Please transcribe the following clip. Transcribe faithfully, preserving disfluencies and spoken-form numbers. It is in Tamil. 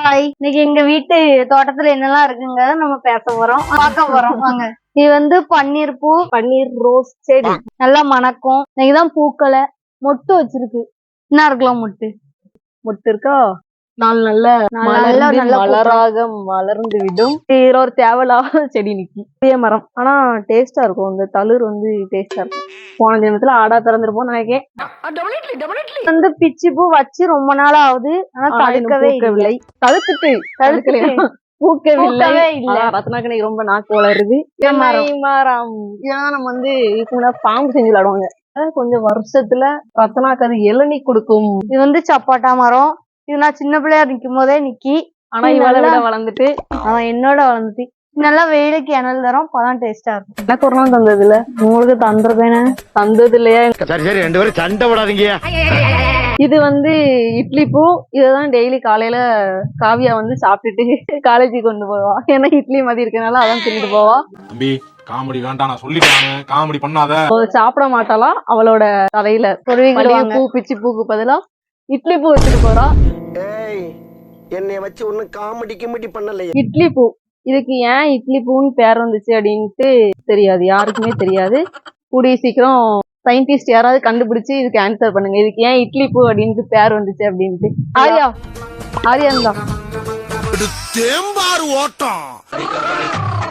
ஹாய், இன்னைக்கு எங்க வீட்டு தோட்டத்துல என்னெல்லாம் இருக்குங்க நம்ம பேச போறோம், பார்க்க போறோம் வாங்க. இது வந்து பன்னீர் பூ, பன்னீர் ரோஸ் செடி நல்லா மணக்கும். இன்னைக்குதான் பூக்களை மொட்டு வச்சிருக்கு. என்ன இருக்கலாம் மொட்டு மொட்டு இருக்கா? நாள் நல்ல மலராக மலர்ந்து விடும். ஒரு தேவையில்லாத செடி நிக்கி பெரிய மரம், ஆனா டேஸ்டா இருக்கும். இந்த தளிர் வந்து டேஸ்டா இருக்கும். போன தினத்துல ஆடா திறந்துருப்போம் நினைக்கேன். வந்து பிச்சி பூ வச்சு ரொம்ப நாள் ஆகுது, ஆனா தடுக்கவே இல்லை. தடுத்துட்டு தடுக்கலையா? பூக்கவில்லை. ரத்னாக்கு ரொம்ப நாக்கு வளருது. மரம் இதெல்லாம் நம்ம வந்து இதுக்கு பாம்பு செஞ்சு விளையாடுவாங்க. கொஞ்சம் வருஷத்துல ரத்னாக்கு அது இளநீ கொடுக்கும். இது வந்து சப்பாட்டா மரம். இது நான் சின்ன பிள்ளையா நிக்கும் போதே நிக்கி, ஆனா இவளை விட வளர்ந்துட்டு அவன் என்னோட வளர்ந்துட்டு நல்லா வெயிலுக்கு இணல் தரும். பழம் டேஸ்டா இருக்கும். எனக்கு ஒரு நாள் தந்தது இல்ல, உங்களுக்கு தந்துருப்பேனே. தந்தது இல்லையா? சரி சரி, ரெண்டு பேரும் சண்டை போடாதீங்க. இது வந்து இட்லி பூ. இததான் டெய்லி காலையில காவியா வந்து சாப்பிட்டுட்டு காலேஜுக்கு கொண்டு போவா. ஏன்னா இட்லி மதி இருக்கனால அதான் தின்னுட்டு போவா. தம்பி காமெடி வேண்டாம், நான் சொல்லிட்டேன் காமெடி பண்ணாத. சாப்பிட மாட்டாலாம். அவளோட தலையில பூ பிச்சு பூக்கு பதிலா இட்லி பூ வச்சுட்டு போறா. என்னை வச்சு ஒண்ணு காமெடி கிமெடி பண்ணலையே. இட்லி பூ, இதுக்கு ஏன் இட்லி பூன்னு பேர் வந்துச்சு அப்படின்ட்டு தெரியாது, யாருக்குமே தெரியாது. கூடிய சீக்கிரம் சயின்டிஸ்ட் யாராவது கண்டுபிடிச்சு இதுக்கு ஆன்சர் பண்ணுங்க, இதுக்கு ஏன் இட்லி பூ அப்படின்ட்டு பேர் வந்துச்சு அப்படின்ட்டு. ஆரியா ஆரியா தான் தேம்பாறு ஓட்டம்.